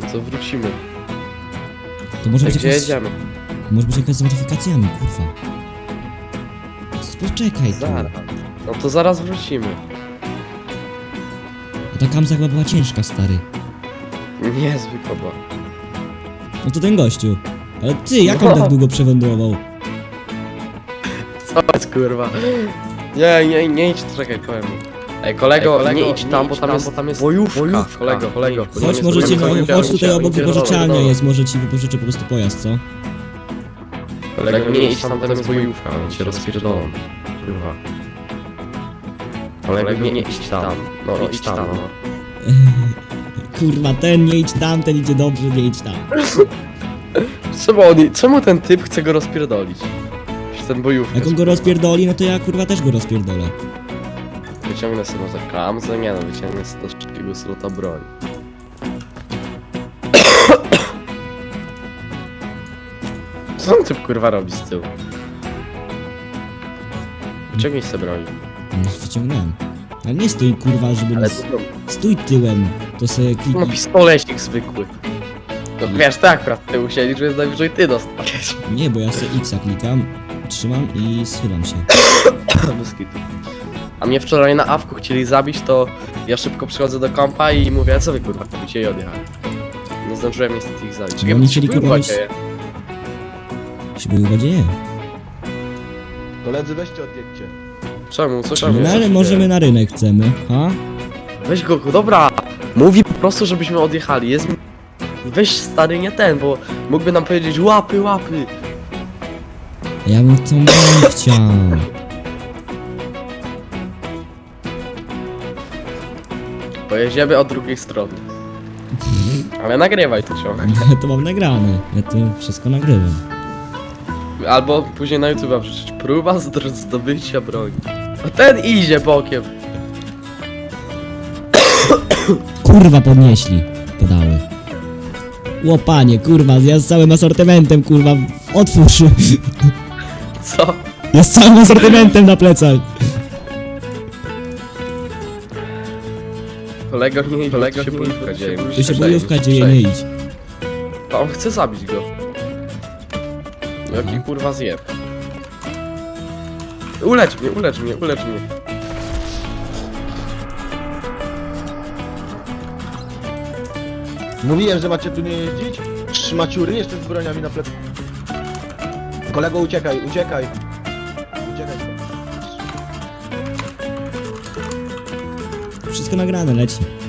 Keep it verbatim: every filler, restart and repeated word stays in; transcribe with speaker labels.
Speaker 1: co wrócimy.
Speaker 2: To może być
Speaker 1: Gdzie
Speaker 2: jakaś...
Speaker 1: jedziemy?
Speaker 2: Może być jakaś z modyfikacjami, kurwa. Poczekaj tu.
Speaker 1: Zaraz. No to zaraz wrócimy.
Speaker 2: A ta kamza chyba była ciężka, stary.
Speaker 1: Nie, zwykła była.
Speaker 2: No to ten gościu. Ale ty, jak on
Speaker 1: No.
Speaker 2: tak długo przewędrował?
Speaker 1: Co jest kurwa? Nie, nie, nie idź, czekaj, powiem. Ej, kolego, Ej, kolego nie idź tam, bo tam jest, tam jest bojówka. bojówka. Kolego, kolego.
Speaker 2: Chodź, może ci, no, chodź tutaj obok wypożyczalnia jest, może ci wypożyczę po prostu pojazd, co?
Speaker 1: Kolego, nie idź tam, tam jest bojówka, oni cię rozpierdolą. Kurwa. Kolego, nie, nie idź tam. No, idź tam, no.
Speaker 2: Kurwa, ten nie idź tam, ten idzie dobrze, nie idź tam.
Speaker 1: Czemu, oni, czemu ten typ chce go rozpierdolić? Przecież ten bojówka.
Speaker 2: Jak on go rozpierdoli, no to ja kurwa też go rozpierdolę.
Speaker 1: Wyciągnę sobie może kamzę, nie no, wyciągnę sobie do szybkiego slota broń. Co on typ kurwa robi z tyłu? Wyciągnij sobie broń.
Speaker 2: No, wyciągnąłem. Ale nie stój kurwa, żeby...
Speaker 1: Ale
Speaker 2: nas-
Speaker 1: to
Speaker 2: Stój tyłem, to sobie
Speaker 1: no
Speaker 2: kliknij.
Speaker 1: pistolecik zwykły. No wiesz, tak akurat ty musieli, że najwyżej ty dostaniesz.
Speaker 2: Nie, bo ja sobie X klikam, trzymam i schylam się.
Speaker 1: Bez kitu. A mnie wczoraj na awku chcieli zabić, to ja szybko przychodzę do kompa i mówię, co wy kurwa robicie i odjechałem. Nie zdążyłem niestety ich zabić.
Speaker 2: No oni chcieli
Speaker 1: kurwa
Speaker 2: kurwa mieć-
Speaker 1: dzieje.
Speaker 2: Się boję dzieje.
Speaker 3: Koledzy, weźcie odjedźcie.
Speaker 1: Czemu? Co czemu?
Speaker 2: No
Speaker 1: Co
Speaker 2: ale
Speaker 1: się
Speaker 2: możemy
Speaker 1: dzieje?
Speaker 2: na rynek chcemy, ha?
Speaker 1: Weź go, dobra! Mówi po prostu, żebyśmy odjechali. Jest... Weź stary, nie ten, bo mógłby nam powiedzieć łapy, łapy.
Speaker 2: Ja bym tą broń chciał.
Speaker 1: Pojedziemy od drugiej strony. Ale nagrywaj to ciągle.
Speaker 2: Ja to mam nagrane, ja to wszystko nagrywam.
Speaker 1: Albo później na YouTube wrzucić próba zdr- zdobycia broni. A ten idzie bokiem.
Speaker 2: Kurwa podnieśli, podały. Łopanie, kurwa, ja z całym asortymentem, kurwa, otwórz.
Speaker 1: Co?
Speaker 2: Ja z całym asortymentem na plecach.
Speaker 1: Kolego nie idzie, kolego się bojówka dzieje.
Speaker 2: Tu się bojówka dzieje, nie idź.
Speaker 1: A on chce zabić go. Jaki kurwa zjeb. Ulecz mnie, ulecz mnie, ulecz mnie.
Speaker 3: Mówiłem, że macie tu nie jeździć? Trzymaciury jeszcze z broniami na plecach. Kolego, uciekaj, uciekaj. Uciekaj stąd.
Speaker 2: Wszystko nagrane, leci.